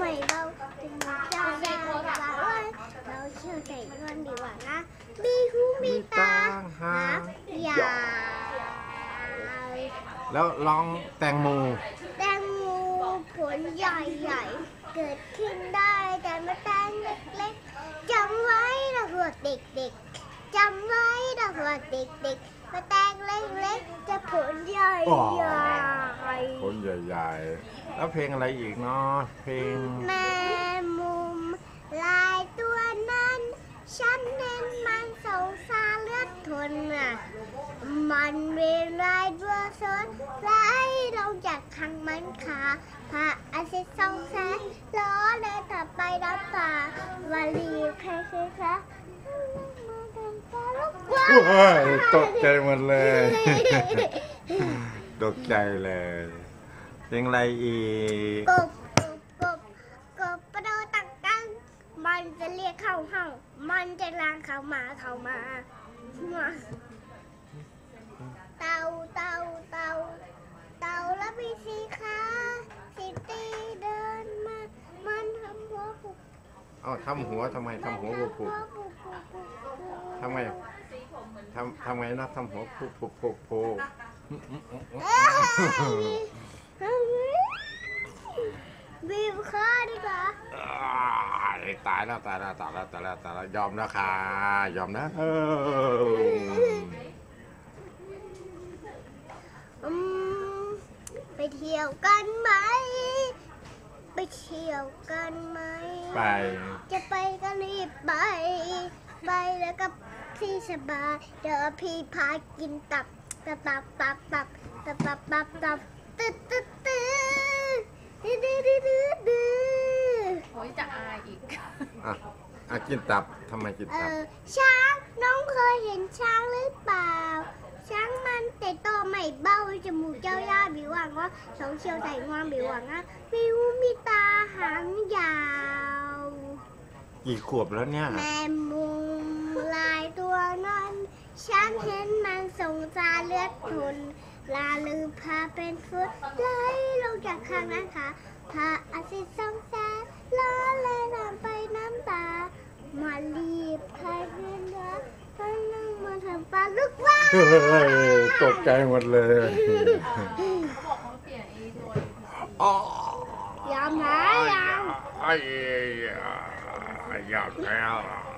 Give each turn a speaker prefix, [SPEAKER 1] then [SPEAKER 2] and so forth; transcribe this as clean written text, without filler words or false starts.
[SPEAKER 1] ไม่เบาถึงเจ้าได้ว่าเราเชื่อใจเงินดีกว่านะมีหูมีตาหางยาว
[SPEAKER 2] แล้วลองแตงโม
[SPEAKER 1] แตงโมผลใหญ่ๆเกิดขึ้นได้แต่มาแตงเล็กๆจำไว้นะพวกเด็กๆจำไว้นะพวกเด็กๆมาแตงเล็กๆจะผลใหญ่
[SPEAKER 2] ผลใหญ่ๆแล้วเพลงอะไรอีกเนาะเพลง
[SPEAKER 1] แม่มุมลายตัวนั้นฉันเน้นมันสงสารเลือดทนอ่ะมันเวลาตัวสนไรเราจากขังมันขาพระอาทิตย์ส่องแสงล้อเลยถับไปน้ำตาวาลีใครคะ
[SPEAKER 2] ตกใจหมดเลยตกใจเลยเพลงอะไรอีก
[SPEAKER 1] กบประโดดตังตังมันจะเรียกเข้าห้องมันจะลางเข้ามาเต่าแล้วมีสีขาสีตีเดินมามันทำหัวปุก
[SPEAKER 2] ทำหัวทำไมทำหัวปุกทำไงทำไงนะทำหัวปุก
[SPEAKER 1] บีบคอดีกว่า
[SPEAKER 2] ตายแล้วยอมนะค่ะยอมนะ
[SPEAKER 1] ไปเที่ยวกันไหมไปจะไปก็รีบไปแล้วก็พี่สบายเดี๋ยวพี่พากินตับ
[SPEAKER 3] โอ้ยจะอายอีก
[SPEAKER 2] กินตับทำไมกินตับ
[SPEAKER 1] ช้างน้องเคยเห็นช้างหรือเปล่าช้างมันแต่ตัวไม่เบ้าจมูกเจ้าย่าบิวหวังว่าสองเชียวใส่งวงบิวหวังมีหูมีตาหางยาว
[SPEAKER 2] กี่ขวบแล้วเนี่ย
[SPEAKER 1] แม่มุมลายตัวนั้นฉันเห็นมันสงสารเลือดทนลาลืมพาเป็นฟุตไหลลงจากข้างนั้นค่ะพระอาทิตย์ส่องแสงล้อเลยทำไปน้ำตามารีบพายเรือไปนั่งมาทำปลาลูกว่า
[SPEAKER 2] ตกใจหมดเลย
[SPEAKER 1] ยอมนะยอม
[SPEAKER 2] ยอมแล้ว